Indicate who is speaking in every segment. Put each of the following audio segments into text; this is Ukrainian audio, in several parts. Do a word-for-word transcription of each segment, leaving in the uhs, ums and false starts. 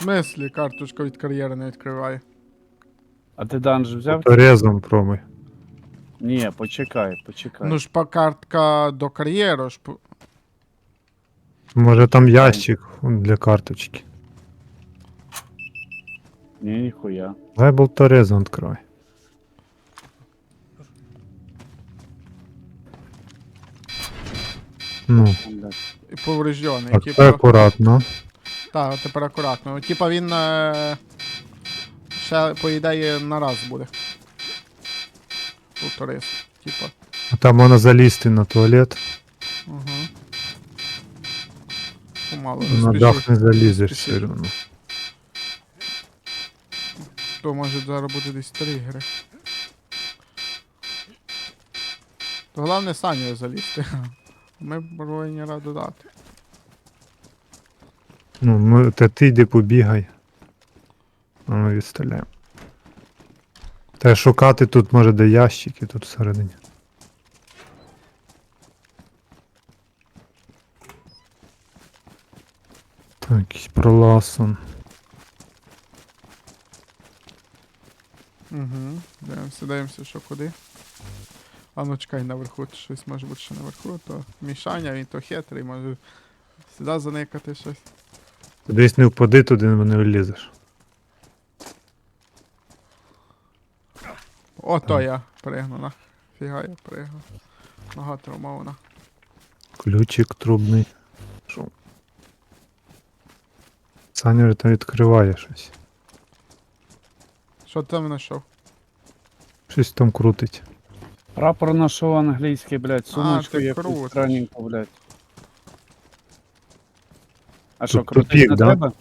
Speaker 1: В смислі, карточка від кар'єри не відкриває.
Speaker 2: А ти данж взяв?
Speaker 3: Резом пробуй.
Speaker 2: Ні, почекай, почекай.
Speaker 1: Ну ж па картка до кар'єру ж. по-
Speaker 3: Може там ящик для карточки.
Speaker 2: Ні, ніхуя.
Speaker 3: Дай болторезом відкривай. Ну,
Speaker 2: Блядь.
Speaker 1: І повреждений.
Speaker 3: так,
Speaker 1: Типа...
Speaker 3: це акуратно.
Speaker 1: Так, тепер акуратно. Типа він е... ще, по ідеї, на раз буде. Повторив. Типа.
Speaker 3: А там можна залізти на туалет.
Speaker 1: Угу. Помало
Speaker 3: На дах не залізеш
Speaker 1: Спіши.
Speaker 3: все одно.
Speaker 1: То може зараз буде десь тригери. То головне Саню залізти. Ми повинні раду дати.
Speaker 3: Ну, ми, та ти йди побігай. А ми відстріляємо. Та шукати тут може де ящики тут всередині. Так, якийсь проласон.
Speaker 1: Угу. Дивимося, дивимося, що куди. А ну чекай, наверху щось може бути ще наверху, то Мішаня, він то хитрий, може сюди заникати щось.
Speaker 3: Ти десь не впади туди, бо не влізеш.
Speaker 1: О, то я пригну, на. Фіга я пригну. Нога травмована.
Speaker 3: Ключик трубний. Що? Саня вже там відкриває щось.
Speaker 1: Що ти там знайшов?
Speaker 3: Щось там крутить.
Speaker 2: Прапор нашов англійський, блядь, сумочку
Speaker 1: ти
Speaker 2: якусь
Speaker 1: крутиш.
Speaker 2: странненьку, блядь. А що,
Speaker 3: Тут
Speaker 2: крутить
Speaker 3: тупік,
Speaker 2: на
Speaker 3: да?
Speaker 2: тебе?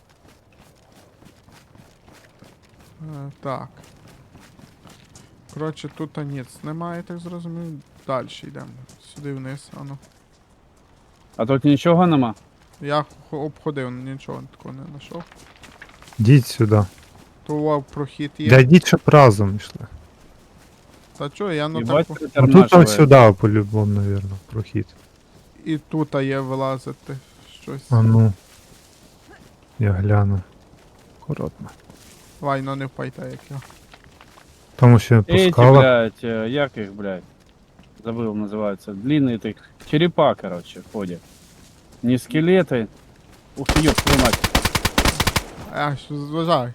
Speaker 1: Е, так. Коротше, тут ніц немає, так зрозумів. Далі йдемо. Сюди вниз, ану.
Speaker 2: А тут нічого нема?
Speaker 1: Я хо- обходив, нічого такого не знайшов.
Speaker 3: Йдіть сюди.
Speaker 1: То вау, прохід є.
Speaker 3: Да йдіть, щоб разом йшли.
Speaker 1: Та чо, я ну
Speaker 2: Їбать,
Speaker 1: так.
Speaker 3: Ну тут там
Speaker 2: притернашиває.
Speaker 3: сюди, по-любому, навірно, прохід.
Speaker 1: І тут є вилазити щось.
Speaker 3: А ну. Я гляну. Акуратно.
Speaker 1: Вай, ну не впайте, як я.
Speaker 3: Тому що по
Speaker 2: Эти,
Speaker 3: скалах.
Speaker 2: блядь, э, як их, блядь, забыл, называется, длинные ты, черепа, короче, ходят. Не скелеты. Ух ты, ёб твою мать.
Speaker 1: А, що зважай.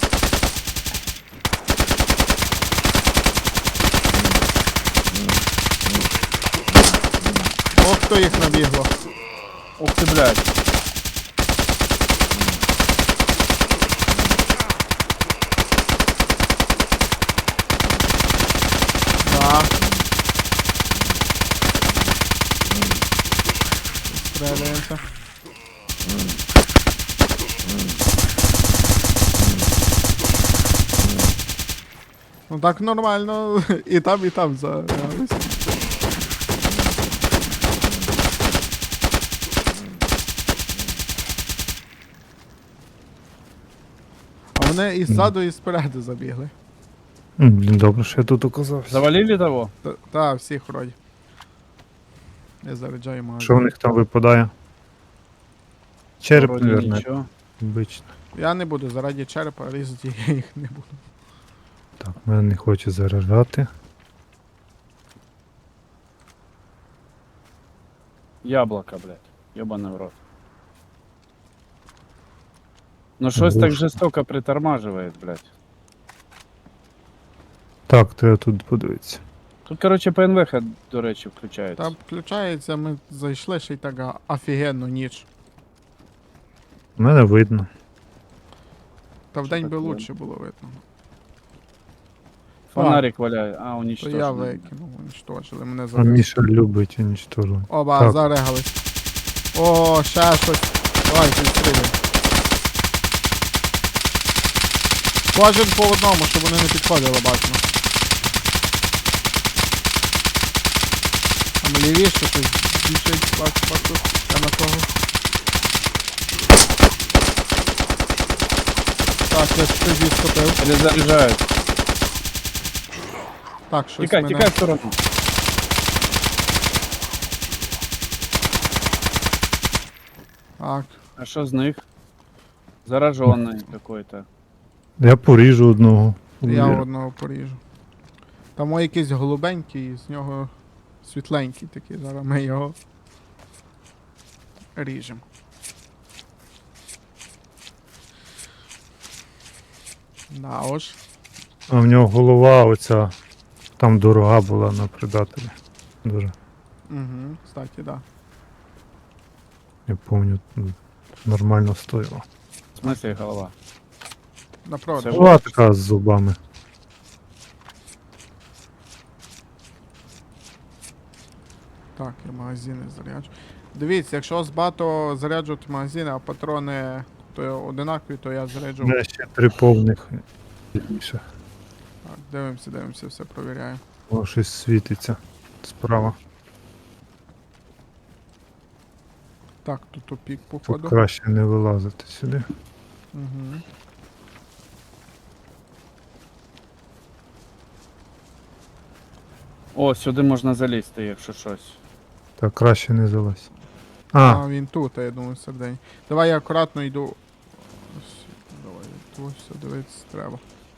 Speaker 1: Ох, хто їх набігло.
Speaker 2: Ух ты, блядь.
Speaker 1: Да. Стріляємося. Ну так нормально. І там, і там загрались. А вони і ззаду, і спереду забігли.
Speaker 3: М, Блін, добре, що я тут оказався.
Speaker 2: Завалили того?
Speaker 1: Та, та всіх вроді. Я заряджаю магазин.
Speaker 3: Що в них там випадає? Череп,
Speaker 2: Вроде
Speaker 3: наверное,
Speaker 2: нічого.
Speaker 3: обично.
Speaker 1: Я не буду заради черепа різати, я їх не буду.
Speaker 3: Так, мене не хоче заражати.
Speaker 2: Яблоко, блядь. Ёбаный в рот. Ну щось так
Speaker 3: Глушно.
Speaker 2: жестоко притормаживает, блядь.
Speaker 3: Так, треба тут подивитися.
Speaker 2: Тут, короче, ПНВХ, до речі, включається.
Speaker 1: Та включається, ми зайшли ще й так а, офігенно ніч.
Speaker 3: Мене видно.
Speaker 1: Та вдень би
Speaker 2: таке?
Speaker 1: лучше було видно.
Speaker 2: Фонарик валяє. А,
Speaker 1: То
Speaker 2: уничтожили.
Speaker 1: я викинув, уничтожили, мене
Speaker 3: А
Speaker 1: зараз.
Speaker 3: Міша любить уничтожувати.
Speaker 1: Оба,
Speaker 3: Так.
Speaker 1: зарегались. О, ще щось. Давай, підстрілюй. Кожен по одному, щоб вони не підходили, бачимо. Там лівіше щось біжить, бачу, бачу. Я на кого. Так, я щось відступив.
Speaker 2: Перезаряжают.
Speaker 1: Так, щось
Speaker 2: Тікай,
Speaker 1: мене...
Speaker 2: тікай в сторону.
Speaker 1: Так,
Speaker 2: А що з них? Зараженный какой-то.
Speaker 3: Я поріжу одного.
Speaker 1: Я
Speaker 3: Увір.
Speaker 1: одного поріжу. Там о якийсь голубенький, з нього світленький такий. Зараз ми його ріжемо. Да ось.
Speaker 3: А в нього голова оця там дорога була на предателі. Дуже.
Speaker 1: Угу, кстати, да.
Speaker 3: Я пам'ятаю, нормально стоїла.
Speaker 2: В смысле голова?
Speaker 1: На продаж.
Speaker 2: Це
Speaker 3: Була така з зубами.
Speaker 1: Так, я магазини заряджу. Дивіться, якщо з багато заряджувати магазини, а патрони то одинакові, то я заряджу.
Speaker 3: У мене ще три повних. Більше.
Speaker 1: Так, дивимося, дивимося, все провіряємо.
Speaker 3: О, щось світиться справа.
Speaker 1: Так, тут тупік,
Speaker 3: Тут
Speaker 1: походу.
Speaker 3: краще не вилазити сюди.
Speaker 1: Угу.
Speaker 2: О, сюди можна залізти, якщо щось.
Speaker 3: Так, краще не залазь.
Speaker 1: А,
Speaker 3: А,
Speaker 1: він тут, а я думаю, сердень. Давай я акуратно йду. Ось, давай, тут все дивитися треба.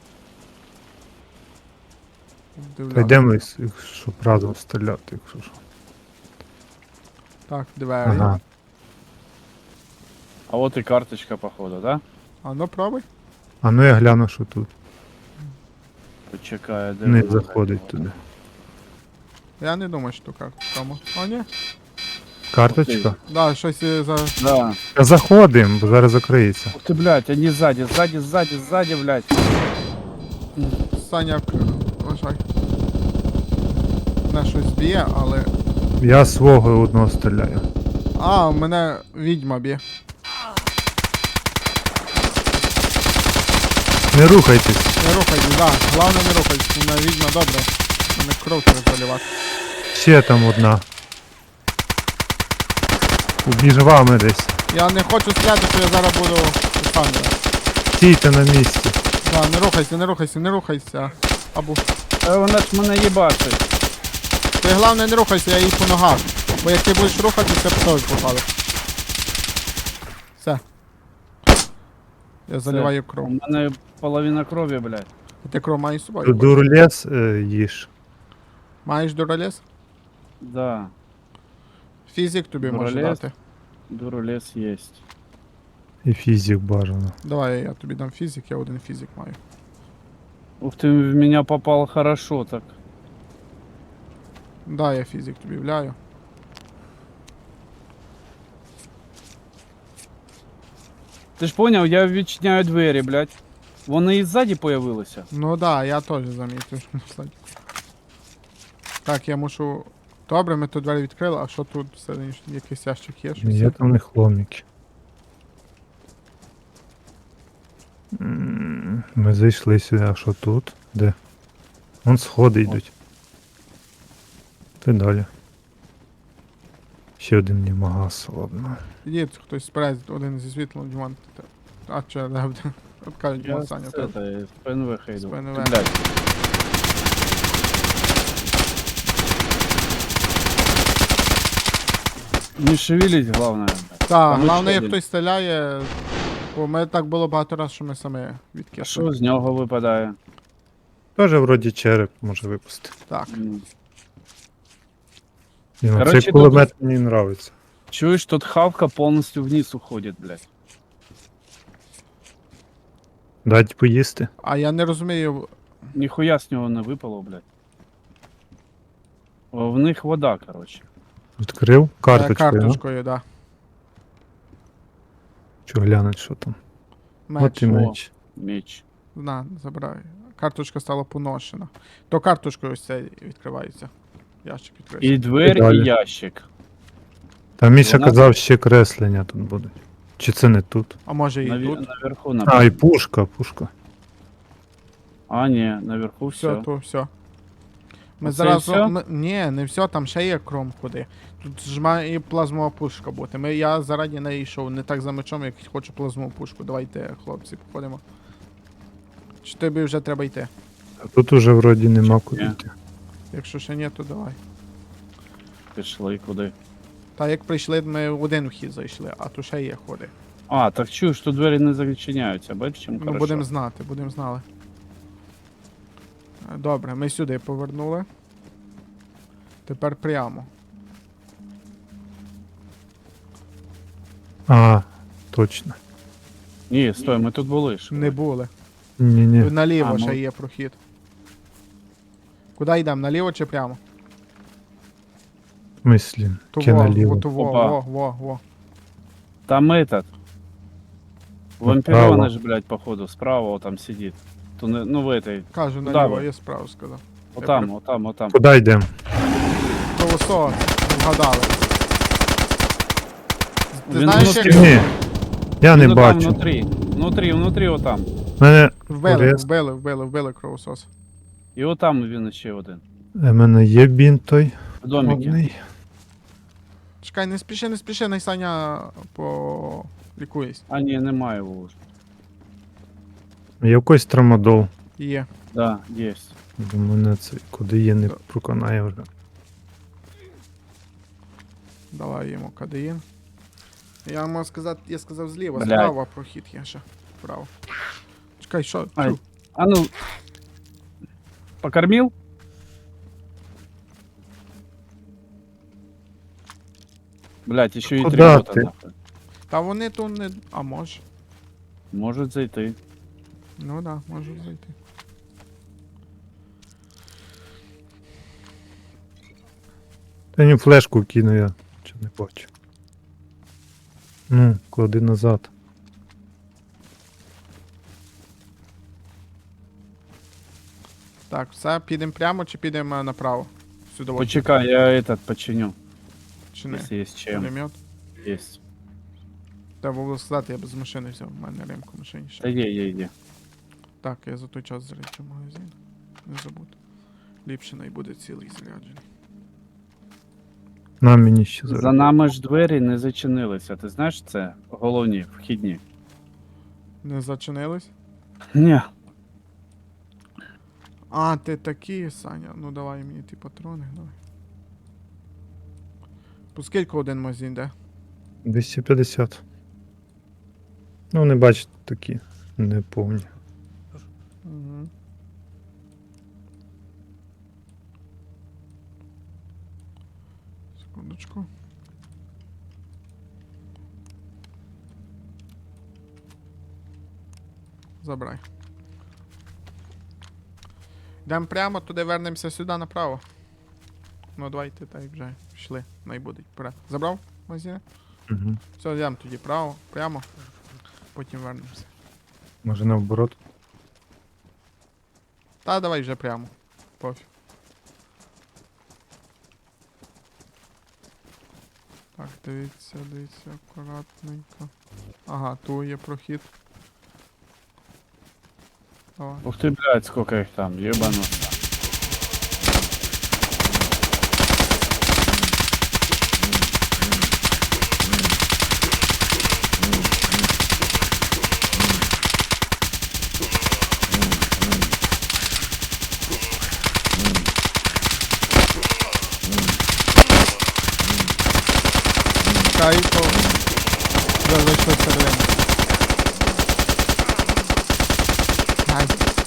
Speaker 3: та
Speaker 1: Вдивлятися.
Speaker 3: йдемо, щоб разом стріляти, якщо що.
Speaker 1: Так, двері.
Speaker 3: Ага.
Speaker 2: А от і карточка, походу, да?
Speaker 1: А ну пробуй.
Speaker 3: А ну я гляну, що тут.
Speaker 2: Почекає, де
Speaker 3: Не
Speaker 2: вона.
Speaker 3: заходить туди.
Speaker 1: Я не думаю, що карта тому. О, ні.
Speaker 3: Карточка?
Speaker 1: Да, щось е, за.
Speaker 2: Да.
Speaker 3: Та заходимо, бо зараз закриється.
Speaker 2: Ух ты, блядь, они сзади, сзади, сзади, сзади, блядь.
Speaker 1: Саня, к- вважай. Мене щось б'є, але.
Speaker 3: Я свого одного стріляю.
Speaker 1: А, мене відьма б'є.
Speaker 3: Не рухайтесь.
Speaker 1: Не рухайтесь, да. Головне не рухайтесь. У мене відьма добре. Мене кров треба заливати.
Speaker 3: Ще там одна. Між вами десь.
Speaker 1: Я не хочу стріляти, що я зараз буду сам.
Speaker 3: Стійте на місці.
Speaker 1: Да, не рухайся, не рухайся, не рухайся. Або.
Speaker 2: Та вона ж мене їбачить.
Speaker 1: Ти головне не рухайся, я їй по ногах. Бо як ти будеш рухатися, теж попали. Все. Я заливаю
Speaker 2: У
Speaker 1: кров.
Speaker 2: мене половина крові, блядь.
Speaker 1: А ти кров маєш з собою?
Speaker 3: Тут дурлес е, їж.
Speaker 1: Маєш дуралез?
Speaker 2: Да,
Speaker 1: Фізик тобі може
Speaker 2: Дуралез?
Speaker 1: дати.
Speaker 2: дурулес есть.
Speaker 3: І фізик бажано.
Speaker 1: Давай я тобі дам фізик, я один фізик маю.
Speaker 2: Ух ты, в меня попал хорошо так.
Speaker 1: Да, я фізик тобі вляю.
Speaker 2: Ти ж поняв, я відчиняю двері, блядь. Вони і ззаді появилися.
Speaker 1: Ну да, я теж замітив. що кстати. Так, я мушу. Добре, ми тут двері відкрили, а що тут всередині якийсь ящик є? Щось
Speaker 3: Є
Speaker 1: є?
Speaker 3: там не хломіки. М, Ми зайшли сюди, а що тут? Де? Вон сходи йдуть. Ти далі. Ще один німагас, ладно.
Speaker 1: Ідіть, хтось спереду, один зі світлом, Діман. ти- А, чи де? От кажуть,
Speaker 2: Я
Speaker 1: Діман
Speaker 2: з
Speaker 1: Саня.
Speaker 2: це,
Speaker 1: тут.
Speaker 2: та, з ПНВ хейду.
Speaker 1: З ПНВ.
Speaker 2: Ти, блядь. Не шевелись, главное. блядь.
Speaker 1: Так,
Speaker 2: Там
Speaker 1: головне,
Speaker 2: ще
Speaker 1: як
Speaker 2: один.
Speaker 1: хтось стріляє, бо ми так було багато разів, що ми самі
Speaker 2: А
Speaker 1: відкисли.
Speaker 2: що з нього випадає?
Speaker 3: Тоже вроді череп може випустити.
Speaker 1: Так.
Speaker 2: М.
Speaker 3: Ні, ну,
Speaker 2: Короче,
Speaker 3: цей кулемет мені нравиться.
Speaker 2: Чуєш, тут хавка повністю вниз уходить, блядь.
Speaker 3: Дать поїсти.
Speaker 1: А я не розумію.
Speaker 2: Ніхуя з нього не випало, блядь. О, в них вода, короче.
Speaker 3: Відкрив
Speaker 1: е,
Speaker 3: карточку.
Speaker 1: Карточкою, да.
Speaker 3: Що глянуть, що там.
Speaker 1: Меч.
Speaker 3: От і меч.
Speaker 2: Меч.
Speaker 1: На, забирай. Карточка стала поношена. То карточкою ось це відкривається. Ящик відкривається.
Speaker 2: І двері,
Speaker 3: далі.
Speaker 2: і ящик.
Speaker 3: Там Міша
Speaker 2: Вона-
Speaker 3: казав, ще креслення тут будуть. Чи це не тут?
Speaker 1: А може і
Speaker 2: Наві...
Speaker 1: тут?
Speaker 2: Наверху,
Speaker 3: А,
Speaker 2: напевно.
Speaker 3: і пушка, пушка.
Speaker 2: А, ні, наверху
Speaker 1: Все,
Speaker 2: все.
Speaker 1: то все. Ми
Speaker 2: Оце
Speaker 1: зараз.
Speaker 2: і всьо?
Speaker 1: Ми... Ні, не все, там ще є кром куди. Тут ж має і плазмова пушка бути. Ми, я зараді не йшов, не так за мечом, як хочу плазмову пушку. Давайте, хлопці, походимо. Чи тобі вже треба йти?
Speaker 3: А тут уже вроді нема куди
Speaker 2: Ні.
Speaker 3: йти.
Speaker 1: Якщо ще ні, то давай.
Speaker 2: Пішли куди.
Speaker 1: Та як прийшли, ми в один вхід зайшли, а тут ще є ходи.
Speaker 2: А, так чую, що двері не зачиняються, бачиш, чим
Speaker 1: Ну,
Speaker 2: хорошо.
Speaker 1: будемо знати, будемо знали. Е, Добре, ми сюди повернули. Тепер прямо.
Speaker 3: А, точно.
Speaker 2: Ні, стой, ми тут були ж.
Speaker 1: Не були.
Speaker 3: Ні-ні.
Speaker 1: Наліво
Speaker 2: А,
Speaker 1: ще
Speaker 2: ну.
Speaker 1: є прохід. Куди йдемо? Наліво чи прямо?
Speaker 3: В смислі,
Speaker 1: Того,
Speaker 3: ке наліво.
Speaker 1: во, того,
Speaker 2: Опа.
Speaker 1: во, во, во.
Speaker 2: Там этот.
Speaker 3: Направо.
Speaker 2: Вампирёныш, ж, блядь, походу, справа вот там сидит. То не- ну в этой.
Speaker 1: Кажу,
Speaker 2: Куда
Speaker 1: наліво,
Speaker 2: ви?
Speaker 1: я справу сказав.
Speaker 2: Вот там, вот там, вот там.
Speaker 3: Куди йдемо?
Speaker 1: Колосо, вгадали. Ти
Speaker 2: Він
Speaker 1: знаєш,
Speaker 2: внутрі.
Speaker 1: як
Speaker 3: Ні. Я не
Speaker 2: Ну, там
Speaker 3: бачу.
Speaker 2: внутри. Внутри, внутри вот там.
Speaker 3: Мене
Speaker 1: вбили,
Speaker 3: Орес.
Speaker 1: вбили, вбили, вбили кровосос.
Speaker 2: І от там він ще один.
Speaker 3: У мене є бінт той.
Speaker 2: В домике.
Speaker 3: Одний.
Speaker 1: Чекай, не спіши, не спіши, най Саня полікуєсь.
Speaker 2: А ні, немає його вже.
Speaker 3: Є якийсь трамадол.
Speaker 1: Є.
Speaker 2: Да, есть.
Speaker 3: Бо мене це куди є не
Speaker 1: Так.
Speaker 3: проконає вже.
Speaker 1: Давай йому кадеїн. Я можу сказати, я сказав зліва,
Speaker 2: Блядь.
Speaker 1: справа прохід є ще. Вправо. Чекай, що?
Speaker 2: Ай.
Speaker 1: Чу.
Speaker 2: А ну. Покормил? Блять, еще и три
Speaker 3: Куда
Speaker 2: бота,
Speaker 3: ты?
Speaker 2: нахуй.
Speaker 1: Та вони тут не. А може.
Speaker 2: Может зайти.
Speaker 1: Ну да, можу зайти.
Speaker 3: Та ні флешку кину я. Чи не бачу. Ну, клади назад.
Speaker 1: Так, все, підемо прямо чи підемо е, направо? Сюди. от,
Speaker 2: Почекай, я этот починю.
Speaker 1: Чи не?
Speaker 2: Если есть чем.
Speaker 1: Пулемет.
Speaker 2: Есть.
Speaker 1: Треба було сказати, я без машини взяв. У мене ремка в машині ще.
Speaker 2: Да е, е, е.
Speaker 1: Так, я за той час заряджу магазин. Не забуду. Ліпше най буде цілий заряджений.
Speaker 3: На мені ще зараз.
Speaker 2: За нами ж двері не зачинилися. Ти знаєш це? Головні, вхідні.
Speaker 1: Не зачинились?
Speaker 2: Ні.
Speaker 1: А, ти такий, Саня. Ну давай мені ті патрони, давай. По скільки один магазин де?
Speaker 3: двісті п'ятдесят. Ну, вони бачите такі неповні.
Speaker 1: Угу. Секундочку. Забирай. Йдемо прямо, туди вернемося сюди направо. Ну давайте так вже пішли. Найбудуть. Вперед. Забрав магазин?
Speaker 3: Угу.
Speaker 1: Все, йдемо тоді право, прямо. Потім вернемося.
Speaker 3: Може наоборот.
Speaker 1: Та давай вже прямо. Пофіг. Так, дивіться, дивіться, акуратненько. Ага, тут є прохід. Давай.
Speaker 2: Ух ты, блядь, сколько их там, ебану.
Speaker 1: Чекай, то вже зайшли всередину. Ай.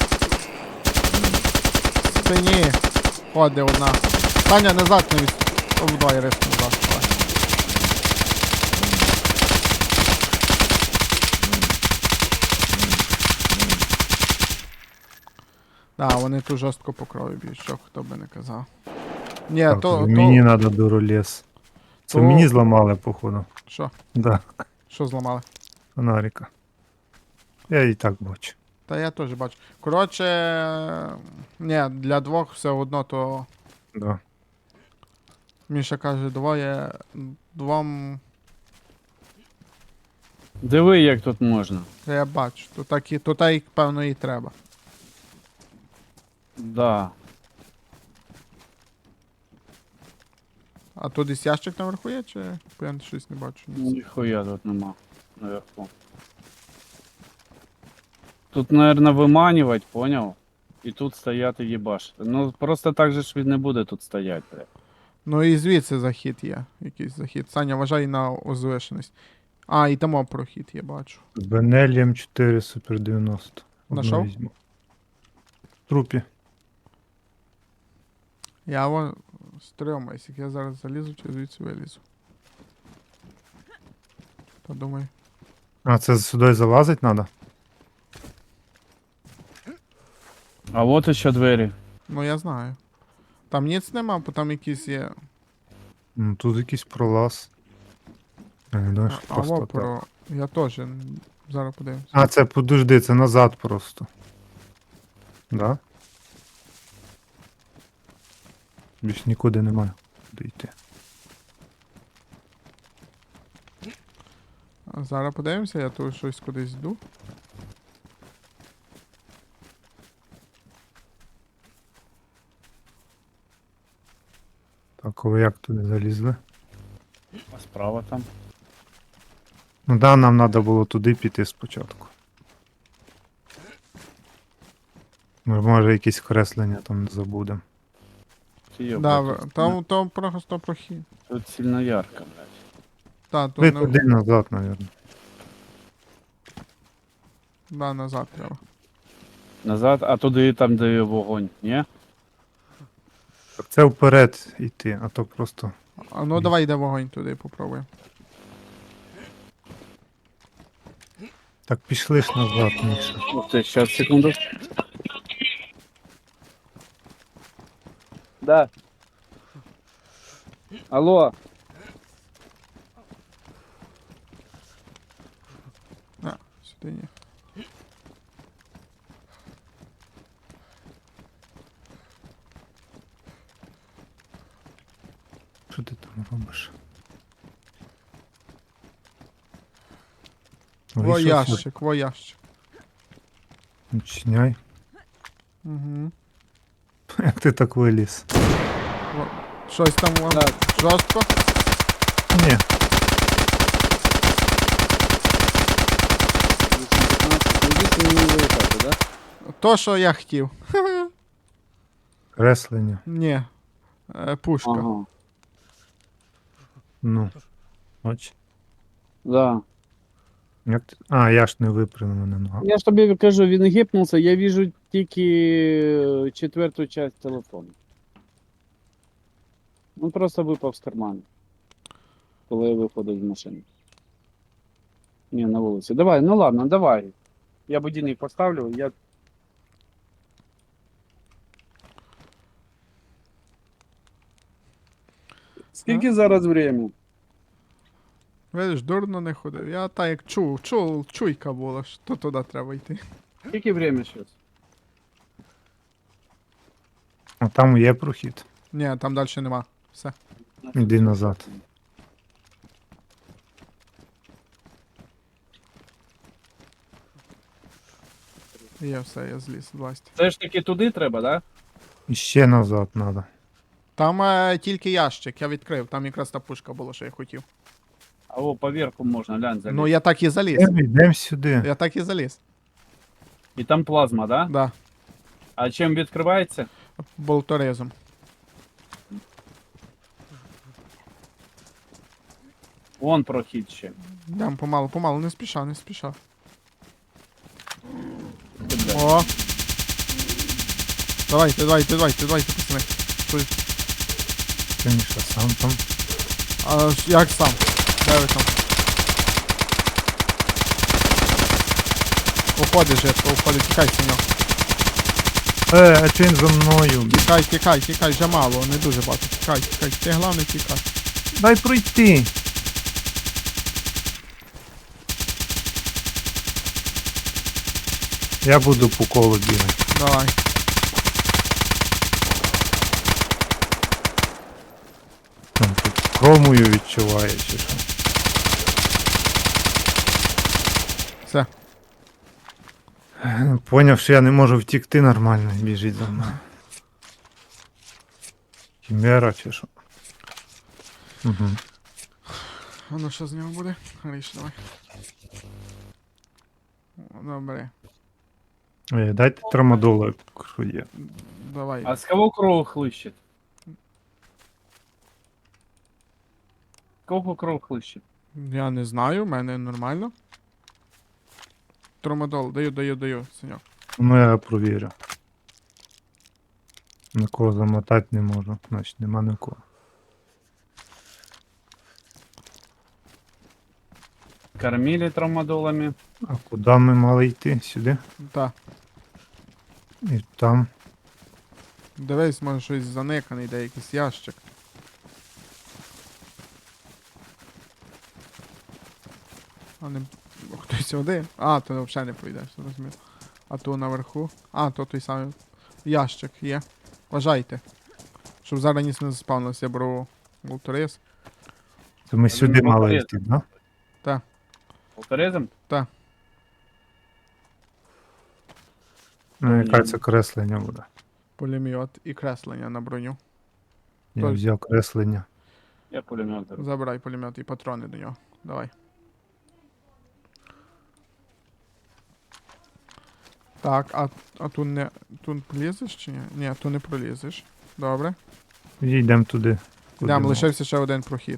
Speaker 1: В спині. Ходи одна. Таня, назад не від... О, давай, риск назад. Давай. Да, вони тут жорстко по крові б'ють, що хто би не казав. Ні,
Speaker 3: Так,
Speaker 1: то, то...
Speaker 3: мені треба дуролес. Це
Speaker 1: то-
Speaker 3: мені зламали, походу.
Speaker 1: Що?
Speaker 3: Да,
Speaker 1: Що зламали?
Speaker 3: фонарика. Я і так бачу.
Speaker 1: Та я теж бачу. Коротше, ні, для двох все одно, то
Speaker 3: Да.
Speaker 1: Міша каже, двоє, двом,
Speaker 2: Диви, як тут можна.
Speaker 1: та я бачу, то так і, то так і, певно, і треба.
Speaker 2: Да.
Speaker 1: А тут десь ящик наверху є, чи бо я щось не бачу? Ні.
Speaker 2: Ніхуя тут нема. Наверху. Тут, наверное, виманювати, поняв? І тут стояти їбашити. Ну, просто так же ж він не буде тут стояти, блядь.
Speaker 1: Ну і звідси захід є, якийсь захід. Саня, вважай на озвишеність. А, і там прохід, я бачу.
Speaker 3: З Бенелієм чотири Супер дев'яносто. Одну
Speaker 1: Нашов?
Speaker 3: візьму. В трупі.
Speaker 1: Я вон стрьомаюсь, як я зараз залізу, чи звідси вилізу. Подумай.
Speaker 3: А, це сюди залазить треба?
Speaker 2: А от іще двері.
Speaker 1: Ну я знаю. Там ніц нема, бо там якісь є.
Speaker 3: Ну, тут якийсь пролаз. Я не думаю, що
Speaker 1: А,
Speaker 3: просто
Speaker 1: во
Speaker 3: так.
Speaker 1: про. Я теж. н- Зараз подивимось.
Speaker 3: А, це подожди, це назад просто. Да? Більш нікуди немає. Куди йти.
Speaker 1: А зараз подивимося, я тут щось кудись йду.
Speaker 3: Так, а ви як туди залізли?
Speaker 2: А справа там.
Speaker 3: Ну да, нам треба було туди піти спочатку. Ми, може, якісь креслення там не забудемо.
Speaker 2: Йо,
Speaker 1: Да,
Speaker 2: блядь,
Speaker 1: в-
Speaker 2: тут
Speaker 1: там, там просто прохід.
Speaker 2: Тут сильно ярко, блядь.
Speaker 1: Та, тут
Speaker 3: Ви
Speaker 1: не...
Speaker 3: туди назад, мабуть.
Speaker 1: Да, назад треба.
Speaker 2: Назад, а туди там, де вогонь, ні?
Speaker 3: Так це вперед йти, а то просто.
Speaker 1: А ну давай йде вогонь туди, попробуємо.
Speaker 3: Так пішли ж назад, Міша.
Speaker 2: Ух ти, щас, секунду. Да. Алло.
Speaker 1: А, сюди ні.
Speaker 3: Що ти там робиш?
Speaker 1: Во
Speaker 3: Вийшов
Speaker 1: ящик, во ящик.
Speaker 3: сюди. Відчиняй.
Speaker 1: Угу.
Speaker 3: Як ти так виліз?
Speaker 1: Щось там вон
Speaker 2: Так.
Speaker 1: жорстко.
Speaker 3: Ні,
Speaker 2: мені виїхати, да?
Speaker 1: То, що я хотів.
Speaker 3: креслення.
Speaker 1: Ні. Е, пушка.
Speaker 2: Ага.
Speaker 3: Ну. Бач.
Speaker 2: Да.
Speaker 3: Як ти... А, я ж не випрямив мене нога.
Speaker 2: Я ж тобі кажу, він гіпнувся, я вижу тільки е, четверту часть телефону. Він просто випав з карману, коли я виходив з машини. Ні, на вулиці. Давай, ну ладно, давай. Я будильник поставлю, я. Скільки зараз время?
Speaker 1: Видиш, дурно не ходив. Я так як чув, чув, чуйка була, що туди треба йти.
Speaker 2: Скільки время зараз?
Speaker 3: А там є прохід.
Speaker 1: Ні, там далі нема. Все.
Speaker 3: Іди назад.
Speaker 1: Є все, я зліз, власть.
Speaker 2: Все ж таки туди треба, да?
Speaker 3: І ще назад треба.
Speaker 1: Там е, тільки ящик, я відкрив, там якраз та пушка була, що я хотів.
Speaker 2: А о, поверху можна, глянь, залізти.
Speaker 1: Ну я так і заліз.
Speaker 3: Йдемо, йдемо сюди.
Speaker 1: Я так і заліз.
Speaker 2: І там плазма, да?
Speaker 1: Да.
Speaker 2: А чим відкривається?
Speaker 1: Болторезом.
Speaker 2: Вон прохід ще.
Speaker 1: Йдем помалу, помалу, не спіша, не спіша.
Speaker 2: Ти, блядь.
Speaker 1: О! Давайте, давайте, давайте, давайте, пацани. Тут-
Speaker 3: Ти, Міша, сам там.
Speaker 1: А ж як сам? Де ви там? Уходи, жертва, уходи, тікай з нього.
Speaker 3: Е, а чи він за мною?
Speaker 1: Тікай, тікай, тікай, вже мало, не дуже багато. Тікай, тікай, ти головне тікай.
Speaker 3: Дай пройти. Я буду по колу бігати.
Speaker 1: Давай.
Speaker 3: Там тут хромою відчуває чи що.
Speaker 1: Все.
Speaker 3: Е, Поняв, що я не можу втікти нормально, біжить за мною. Хімера чи що. Угу.
Speaker 1: А ну що з нього буде? Ріш, давай. О, добре.
Speaker 3: Е, дайте трамадола, якщо є.
Speaker 1: Давай.
Speaker 2: А з кого кров хлищить? Кого кров хлищить?
Speaker 1: Я не знаю, в мене нормально. Тромадол, даю, даю, даю, Саньок.
Speaker 3: Ну я провірю. Нікого замотати не можу, значить нема нікого.
Speaker 2: Кормили травмадолами.
Speaker 3: А куди ми мали йти? Сюди?
Speaker 1: Так.
Speaker 3: І там.
Speaker 1: Дивись, може щось заниканий, де якийсь ящик. А не. Хтось один? А, то взагалі не поїдеш, зрозумів. А то наверху. А, то той самий ящик є. Вважайте. Щоб зараз ніс не заспавнився, я беру волторис.
Speaker 3: То ми
Speaker 2: Та
Speaker 3: сюди
Speaker 2: він
Speaker 3: мали
Speaker 2: поперед.
Speaker 3: йти, да?
Speaker 2: Полторезом?
Speaker 3: Ну, яка
Speaker 2: Ні.
Speaker 3: це креслення буде?
Speaker 1: Пулемет і креслення на броню.
Speaker 3: Я
Speaker 1: Той.
Speaker 3: взяв креслення.
Speaker 2: Я пулемет. беру.
Speaker 1: Забирай пулемет і патрони до нього. Давай. Так, а, а тут не. Тут полізеш чи ні? Ні, тут не пролізеш. Добре.
Speaker 3: І йдемо туди. куди
Speaker 1: Йдемо,
Speaker 3: ми.
Speaker 1: лишився ще один прохід.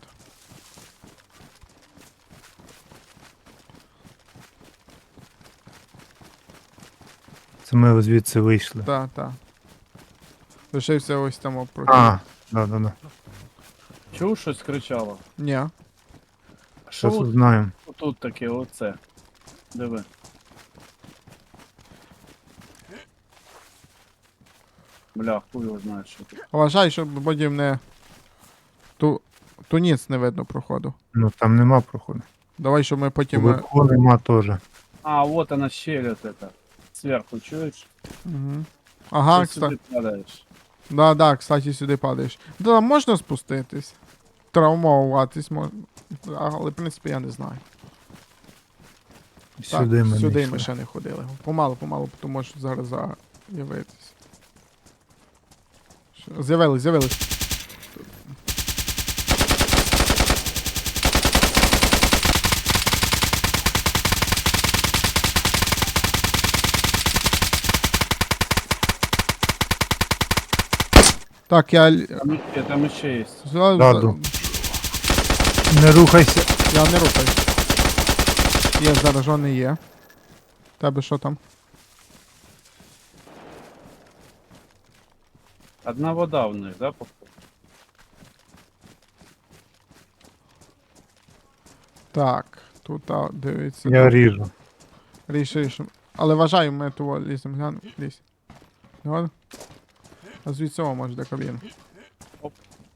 Speaker 3: Це ми звідси вийшли.
Speaker 1: Так, так. Лишився ось там о, прохід.
Speaker 3: А, да, да, да.
Speaker 2: Чув, щось кричало?
Speaker 1: Ні.
Speaker 3: Що
Speaker 2: Що
Speaker 3: тут знаємо?
Speaker 2: Тут таке, оце. Диви. Бля, хуй його знає, що тут.
Speaker 1: Вважай, щоб потім не. Ту. Туніц не видно проходу.
Speaker 3: Ну там нема проходу.
Speaker 1: Давай, щоб ми потім. е,
Speaker 3: Вверху нема теж.
Speaker 2: А, вот она щель вот эта. Сверху, чуешь?
Speaker 1: Угу. Ага,
Speaker 2: Ты
Speaker 1: кстати.
Speaker 2: сюда падаешь.
Speaker 1: Да, да, кстати, сюди падаєш. Да, можна спуститись. Травмуватись можна. Але, в принципі, я не знаю.
Speaker 3: Сюди
Speaker 1: так,
Speaker 3: ми
Speaker 1: сюди
Speaker 3: не
Speaker 1: ми
Speaker 3: йшли.
Speaker 1: ще не ходили. Помалу, помалу, тому що зараз з'явитись. Що- З'явились, з'явились. Так, я... л-
Speaker 2: Там еще, там еще есть.
Speaker 1: за-
Speaker 3: Ладно. Не рухайся.
Speaker 1: Я не рухаю. Є, заражений є. Тебе що там?
Speaker 2: Одна вода в них, да, походу?
Speaker 1: Так, тут, а, дивіться.
Speaker 3: Я ріжу.
Speaker 1: Рішиш. Але вважаю, ми того лізем гляну. Лізь. Згоден? А звідси о, може, до кабіни.
Speaker 2: Оп.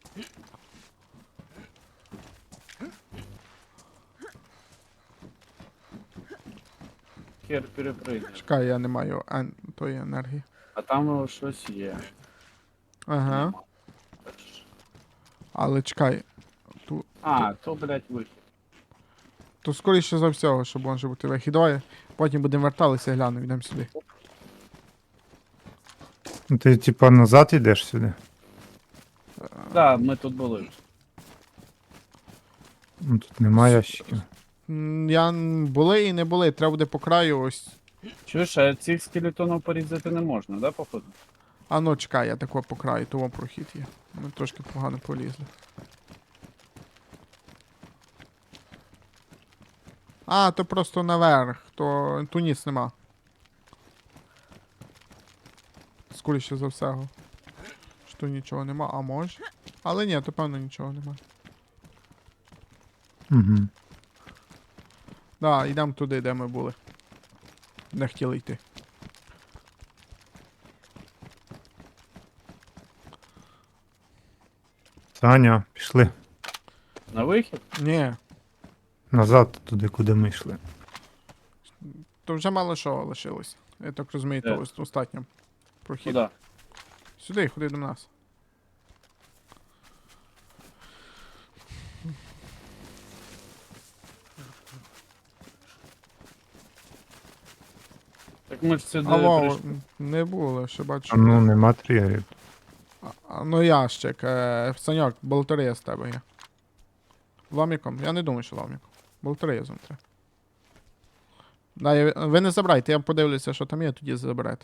Speaker 2: Хер перепрыгнеш.
Speaker 1: Чекай, я не маю ен... тої енергії.
Speaker 2: А там щось є.
Speaker 1: Ага.
Speaker 2: Нема. Так що-
Speaker 1: Але чекай. Ту...
Speaker 2: А, то, блядь, вихід.
Speaker 1: То скоріше за всього, що може бути вихід. Давай, потім будемо верталися, глянемо, йдемо сюди.
Speaker 3: Ну, ти типа назад йдеш сюди.
Speaker 2: Да, ми тут були.
Speaker 3: Ну, тут нема ящиків.
Speaker 1: М, Я н- були і не були, треба буде по краю ось.
Speaker 2: Чуєш, а цих скелетонів порізати не можна, да, походу?
Speaker 1: А ну чекай, я тако по краю, того прохід є. Ми трошки погано полізли. А, то просто наверх, то туніс нема. Скоріше за всього. Що нічого нема, а може? Але ні, то певно нічого нема.
Speaker 3: Угу.
Speaker 1: Да, йдемо туди, де ми були. Не хотіли йти.
Speaker 3: Саня, пішли.
Speaker 2: На вихід?
Speaker 1: Ні,
Speaker 3: Назад туди, куди ми йшли.
Speaker 1: то вже мало що лишилось. Я так розумію,
Speaker 2: Де?
Speaker 1: то ось остатньо. Прохід.
Speaker 2: Куда?
Speaker 1: Сюди, ходи до нас.
Speaker 2: Так ми ж сюди
Speaker 1: Алло,
Speaker 2: прийшли.
Speaker 1: не було, ще бачу.
Speaker 3: А ну нема тригерів.
Speaker 1: А, а, ну ящик, е, Саньок, болторез з тебе є. Ломіком? Я не думаю, що ломіком. Болторезом треба. Да, я, ви не забирайте, я подивлюся, що там є, тоді заберете.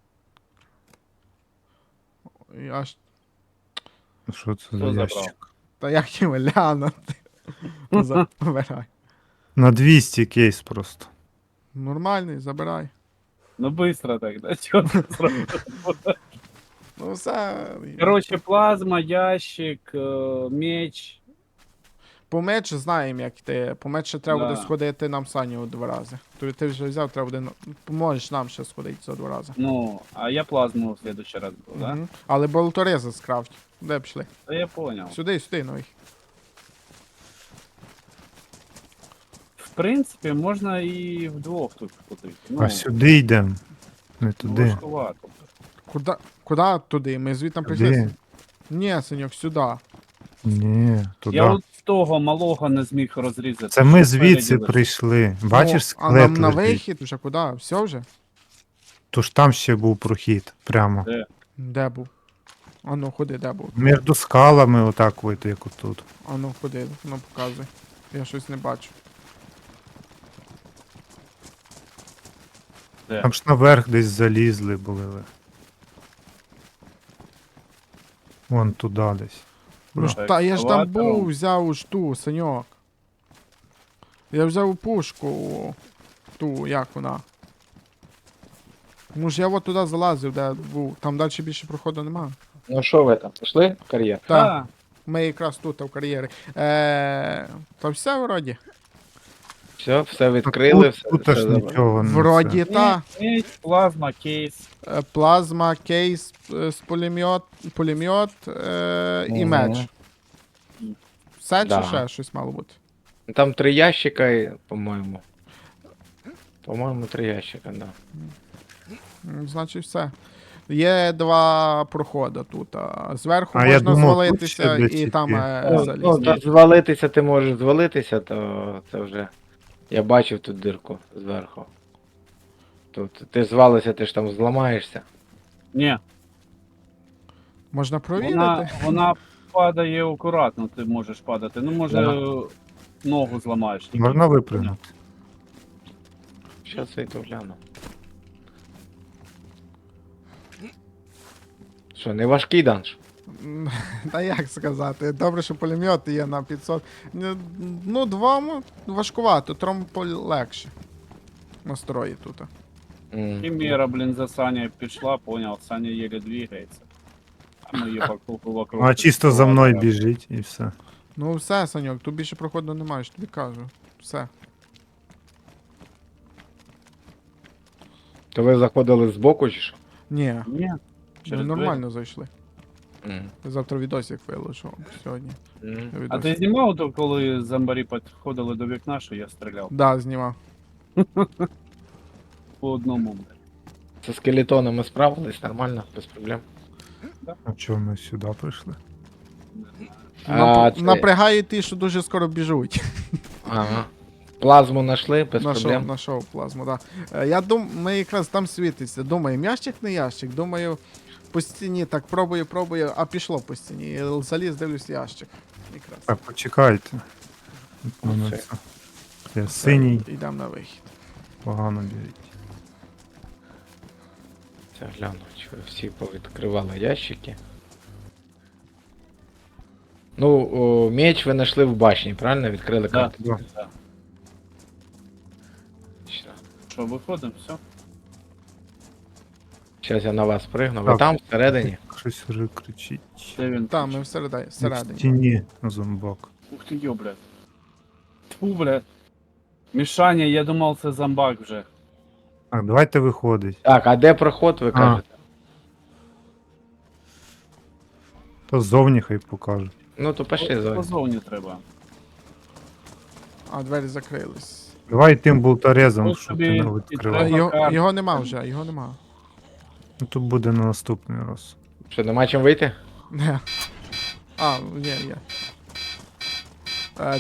Speaker 1: Я ж...
Speaker 3: Що це
Speaker 2: Хто
Speaker 3: за
Speaker 2: забрав?
Speaker 3: ящик?
Speaker 1: Та як його глянути? Забирай.
Speaker 3: На двісті кейс просто.
Speaker 1: Нормальний, забирай.
Speaker 2: Ну быстро тогда, чё ты сразу?
Speaker 1: Ну все.
Speaker 2: Короче, плазма, ящик, э, меч.
Speaker 1: По меч знаємо, як ти. По меч ще треба буде
Speaker 2: Да.
Speaker 1: сходити нам Саню два рази. Тобі ти вже взяв, треба буде. на- Поможеш нам ще сходити за два рази.
Speaker 2: Ну, а я плазму в следующий раз был, да?
Speaker 1: Мгм. Але болторези скрафт. Де пішли?
Speaker 2: Да я понял.
Speaker 1: Сюди, сюди, ну їх.
Speaker 2: В принципе, можно и вдвох тут ходити. Ну,
Speaker 3: А сюди йдемо. Не туди.
Speaker 2: важкувато.
Speaker 1: Куда, куди туди? Ми звідти прийшли.
Speaker 3: Туди.
Speaker 1: Ні, синьок, сюди.
Speaker 3: Ні, туди.
Speaker 2: Я от того малого не зміг розрізати.
Speaker 3: Це ми
Speaker 2: що
Speaker 3: звідси
Speaker 2: спереді
Speaker 3: прийшли. Бачиш,
Speaker 1: Ну, а нам
Speaker 3: склет
Speaker 1: на
Speaker 3: лежить.
Speaker 1: вихід вже куди? Все вже?
Speaker 3: Тож там ще був прохід. Прямо.
Speaker 2: Де?
Speaker 1: Де був? А ну ходи, де був?
Speaker 3: Між скалами отак вийти, як отут.
Speaker 1: А ну ходи, ну показуй. Я щось не бачу.
Speaker 2: Де?
Speaker 3: Там ж наверх десь залізли були ви. Вон туди десь.
Speaker 1: Ну ж
Speaker 2: Так,
Speaker 1: та я ж там
Speaker 2: ескалатором.
Speaker 1: був, взяв уж ту, саньок. Я взяв пушку. Ту, як вона. Ну ж я от туди залазив, де був. Там далі більше проходу нема.
Speaker 4: Ну що ви там, пішли в кар'єр?
Speaker 1: Так,
Speaker 2: А,
Speaker 1: ми якраз тут, в кар'єрі. Е, та все вроді.
Speaker 4: Все, все відкрили,
Speaker 3: Тут,
Speaker 4: все,
Speaker 3: тут
Speaker 4: все
Speaker 3: аж
Speaker 4: забрали.
Speaker 3: нічого не
Speaker 1: Вроді
Speaker 3: це.
Speaker 1: та.
Speaker 2: меч, плазма, кейс.
Speaker 1: Е, Плазма, кейс е, з пулемет, пулемет е, і
Speaker 4: Мгм.
Speaker 1: меч. Все чи
Speaker 4: Да.
Speaker 1: ще щось мало бути?
Speaker 4: Там три ящика, і, по-моєму. По-моєму, три ящика, да.
Speaker 1: М, Значить, все. Є два проходи тут. А зверху
Speaker 3: А я
Speaker 1: можна
Speaker 3: думав, тут
Speaker 1: звалитися
Speaker 3: ще десь
Speaker 1: і
Speaker 3: які.
Speaker 1: там е,
Speaker 4: Ну, ну,
Speaker 1: залізти.
Speaker 4: та звалитися ти можеш звалитися, то це вже. Я бачив тут дирку зверху. Тут ти звалися, ти ж там зламаєшся.
Speaker 2: Ні,
Speaker 1: Можна провірити.
Speaker 2: вона, вона падає акуратно, ти можеш падати. Ну, може,
Speaker 4: Да.
Speaker 2: ногу зламаєш. тільки.
Speaker 3: Можна випрыгнути.
Speaker 4: Щас я то гляну. Що, не важкий данж?
Speaker 1: М, Та як сказати? Добре, що пулемет є на п'ятсот. Ну, Ну, двом важкувато, трьом полегше. Настрої тут.
Speaker 4: М.
Speaker 2: Хімера, блін, за Саня пішла, понял, Саня еле двигається. А ми її по кругу вокруг.
Speaker 3: А чисто за мною
Speaker 2: підстрелали.
Speaker 3: біжить і все.
Speaker 1: Ну все, Саньок, тут більше проходу немає, ж тобі кажу. Все.
Speaker 4: То ви заходили збоку чи що?
Speaker 1: Ні,
Speaker 2: Ні,
Speaker 1: ми
Speaker 2: через
Speaker 1: нормально зайшли.
Speaker 4: М.
Speaker 1: Завтра відосик виложу сьогодні.
Speaker 4: М.
Speaker 1: Я
Speaker 2: А
Speaker 1: відос-
Speaker 2: ти знімав то, коли зомбарі підходили до вікна, що я стріляв?
Speaker 1: Да, знімав.
Speaker 2: По одному. блін.
Speaker 4: З скелетонами справились нормально, без проблем.
Speaker 3: А чого ми сюди прийшли?
Speaker 4: А,
Speaker 1: Нап...
Speaker 4: це-
Speaker 1: Напрягають ті, що дуже скоро біжуть.
Speaker 4: Ага. Плазму знайшли, без
Speaker 1: Нашов,
Speaker 4: проблем.
Speaker 1: нашов плазму, так. Да. Е, Я дум, ми якраз там світиться. Думаю, ящик не ящик. Думаю, по стіні так пробую, пробую, а пішло по стіні. І заліз, дивлюсь ящик. Якраз.
Speaker 3: Так, почекайте. От мене
Speaker 4: Оце.
Speaker 3: це. Я синій,
Speaker 1: Йдемо на вихід.
Speaker 3: погано біжить.
Speaker 4: Це гляну, чи ви всі повідкривали ящики. Ну, о, меч ви знайшли в башні, правильно? Відкрили
Speaker 2: Да.
Speaker 4: карту.
Speaker 3: Да.
Speaker 2: Да.
Speaker 4: Що?
Speaker 2: Що, виходимо, все?
Speaker 4: Зараз я на вас пригну. Ви
Speaker 3: Так.
Speaker 4: там, всередині?
Speaker 3: Щось вже кричить.
Speaker 2: Де він?
Speaker 1: Там, ми всередині.
Speaker 3: В
Speaker 1: всередині.
Speaker 3: стіні зомбак.
Speaker 2: Ух ти, йо, блядь. Тьфу, блядь. Мішаня, я думав, це зомбак вже.
Speaker 3: Так, давайте виходить.
Speaker 4: Так, а де проход, ви
Speaker 3: А.
Speaker 4: кажете?
Speaker 3: То ззовні хай покажуть.
Speaker 4: Ну, то пішли зовні.
Speaker 2: Позовні треба.
Speaker 1: А, двері закрились.
Speaker 3: Давай тим болторезом,
Speaker 2: Ось
Speaker 3: щоб
Speaker 2: тобі
Speaker 3: ти не
Speaker 2: і
Speaker 1: Е,
Speaker 3: відкривав.
Speaker 2: треба.
Speaker 1: Його,
Speaker 2: карта.
Speaker 1: його нема вже, його нема.
Speaker 3: Ну тут буде на наступний раз.
Speaker 4: Що, нема чим вийти?
Speaker 1: Не. А, є, є.